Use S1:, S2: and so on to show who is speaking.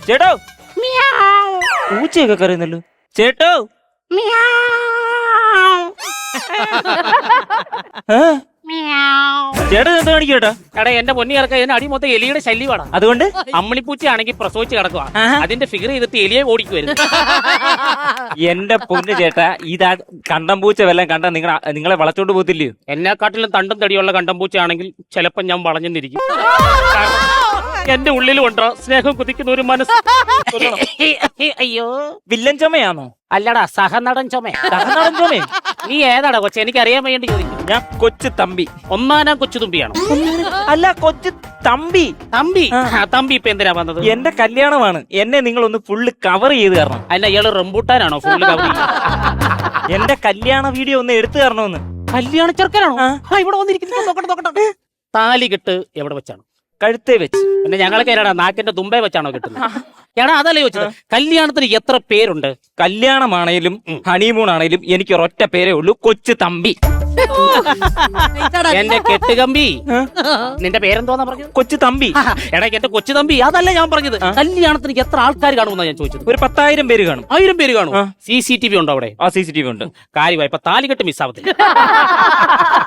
S1: ചേട്ടോ പൂച്ചയൊക്കെ കരയുന്നല്ലോ. ചേട്ടോ ചേട്ടൻ എന്താ കാണിക്കട്ടാ?
S2: എടാ എന്റെ പൊന്നി ഇറക്ക എന്നെ അടി മൊത്തം എലിയുടെ ശല്യമാണ്.
S1: അതുകൊണ്ട്
S2: അമ്മിണിപ്പൂച്ചയാണെങ്കിൽ പ്രസവിച്ച് കിടക്കുക. അതിന്റെ ഫിഗർ ചെയ്തിട്ട് എലിയെ ഓടിക്കുവരുന്നു.
S1: എന്റെ പൊന്ന് ചേട്ടാ, ഇതാ കണ്ടം പൂച്ച വല്ലതും കണ്ടാ നിങ്ങളെ വളച്ചോണ്ട് പോകത്തില്ലയോ?
S2: എന്നെക്കാട്ടിലും തണ്ടും തടിയുള്ള കണ്ടംപൂച്ചയാണെങ്കിൽ ചിലപ്പോ ഞാൻ വളഞ്ഞെന്നിരിക്കും. എന്റെ ഉള്ളിൽ കൊണ്ടോ സ്നേഹം കുതിക്കുന്ന ഒരു മനസ്സ്. അയ്യോ,
S1: വില്ലൻ ചുമയാണോ?
S2: അല്ലടാ സഹനടൻ ചുമ.
S1: സഹനടൻ ചുമയോ?
S2: നീ ഏതാടാ കൊച്ചെ? എനിക്ക് അറിയാൻ വേണ്ടി ചോദിക്കും.
S1: ഞാൻ കൊച്ചു തമ്പി.
S2: ഒന്നാനാം കൊച്ചു തുമ്പിയാണോ?
S1: അല്ല, കൊച്ചു തമ്പി.
S2: തമ്പി തമ്പി ഇപ്പൊ എന്തിനാ വന്നത്?
S1: എന്റെ കല്യാണമാണ്, എന്നെ നിങ്ങളൊന്ന് ഫുള്ള് കവർ ചെയ്ത് തരണം.
S2: അല്ല ഇയാള് റംബൂട്ടാനാണോ ഫുള്ള് കവർ?
S1: എന്റെ കല്യാണ വീഡിയോ ഒന്ന് എടുത്തു തരണമെന്ന്.
S2: കല്യാണ ചെറുക്കനാണോ? ഇവിടെ വന്നിരിക്കുന്നു. നോക്കട്ടെ. താലി കെട്ട് എവിടെ വെച്ചാണ്?
S1: കഴുത്തേ വെച്ച്.
S2: പിന്നെ ഞങ്ങളൊക്കെ ഏടാ നാക്കിന്റെ തുമ്പേ വെച്ചാണോ കിട്ടുന്നത്? എടാ അതല്ലേ ചോദിച്ചത്. കല്യാണത്തിന് എത്ര പേരുണ്ട്?
S1: കല്യാണമാണേലും ഹണിമൂൺ ആണേലും എനിക്ക് ഒരൊറ്റ പേരേ ഉള്ളൂ, കൊച്ചു തമ്പി.
S2: എന്റെ കെട്ടുകമ്പി. നിന്റെ പേരെന്തോന്നാ പറഞ്ഞത്?
S1: കൊച്ചു തമ്പി.
S2: എടാ എന്റെ കൊച്ചു തമ്പി അതല്ല ഞാൻ പറഞ്ഞത്. കല്യാണത്തിന് എത്ര ആൾക്കാർ കാണുമെന്നാ ഞാൻ ചോദിച്ചത്.
S1: ഒരു 10,000 പേര് കാണും.
S2: 1000 പേര് കാണും. CCTV ഉണ്ടോ അവിടെ?
S1: CCTV ഉണ്ട്.
S2: കാര്യമായി ഇപ്പൊ താലികെട്ട് മിസ്സാവത്തില്ല.